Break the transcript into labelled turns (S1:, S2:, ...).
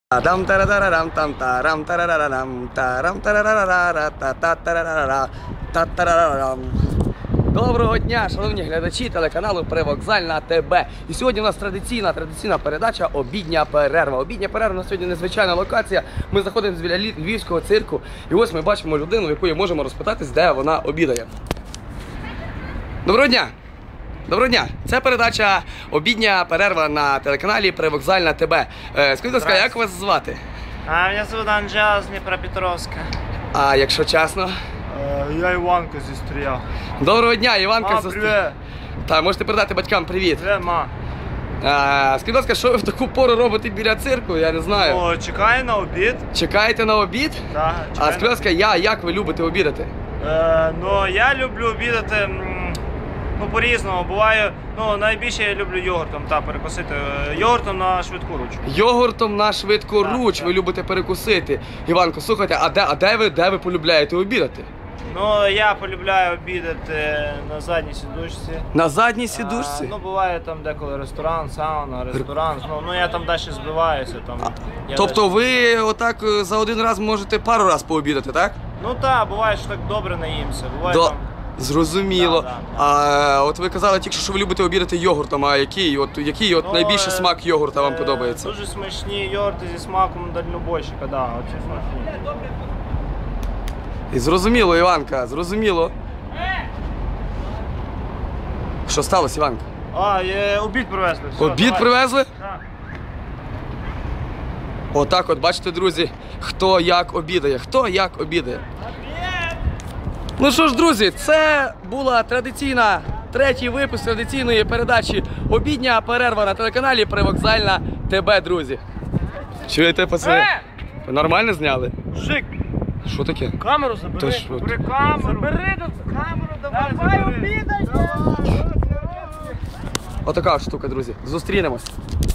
S1: Там тарарарам там тарам тарарарам тарам тарарарара та-та-тарарара та-тарарарам. Доброго дня, шановні глядачі телеканалу Привокзальна ТБ. І сьогодні у нас традиційна передача «Обідня перерва». Обідня перерва на сьогодні незвичайна локація. Ми заходимо біля львівського цирку і ось ми бачимо людину, в якої можемо розпитатись, де вона обідає. Доброго дня! Доброго дня! Це передача «Обідня перерва» на телеканалі Привокзальна ТБ. Скажіть, будь ласка, як вас звати?
S2: Мене звуть Анджела з Дніпропетровська.
S1: А якщо чесно?
S2: Я Іванко зі Стрия.
S1: Доброго дня, Іванка.
S2: Привіт.
S1: Так, можете передати батькам привіт.
S2: Привіт, ма.
S1: Скажіть, будь ласка, що ви в таку пору робите біля цирку? Я не знаю.
S2: О, чекаю на обід.
S1: Чекаєте на обід?
S2: Так.
S1: А скажіть, будь ласка, як ви любите обідати?
S2: Ну, я люблю обідати, по-різному. Буває, найбільше я люблю йогуртом, перекусити. Йогуртом на швидку руч.
S1: Йогуртом на швидку руч
S2: так.
S1: Ви любите перекусити. Іванко, слухайте, а де ви полюбляєте обідати?
S2: Ну, я полюбляю обідати на задній сідушці.
S1: На задній сідушці?
S2: Буває там деколи ресторан, сауна, ресторан. Я там далі збиваюся.
S1: Тобто ви отак за один раз можете пару раз пообідати, так?
S2: Ну так, буває, що так добре наїмся. Буває там...
S1: Зрозуміло.
S2: Да.
S1: А от ви казали тільки що ви любите обідати йогуртом, а який найбільший смак йогурта вам подобається?
S2: Дуже смачні йогурти зі смаком дальнобойщика, оці смачні.
S1: І зрозуміло, Іванка, зрозуміло. Що сталося, Іванка?
S2: Обід привезли.
S1: Обід привезли?
S2: Так.
S1: Отак от, бачите, друзі, хто як обідає, Ну що ж, друзі, це була третій випуск традиційної передачі «Обідня перерва» на телеканалі Привокзальна ТБ, друзі. Чуєте, пацани? Ви нормально зняли?
S2: Мужик,
S1: що таке?
S2: камеру забери. Бери камеру. Забери камеру, давай обідай.
S1: Отака штука, друзі. Зустрінемось.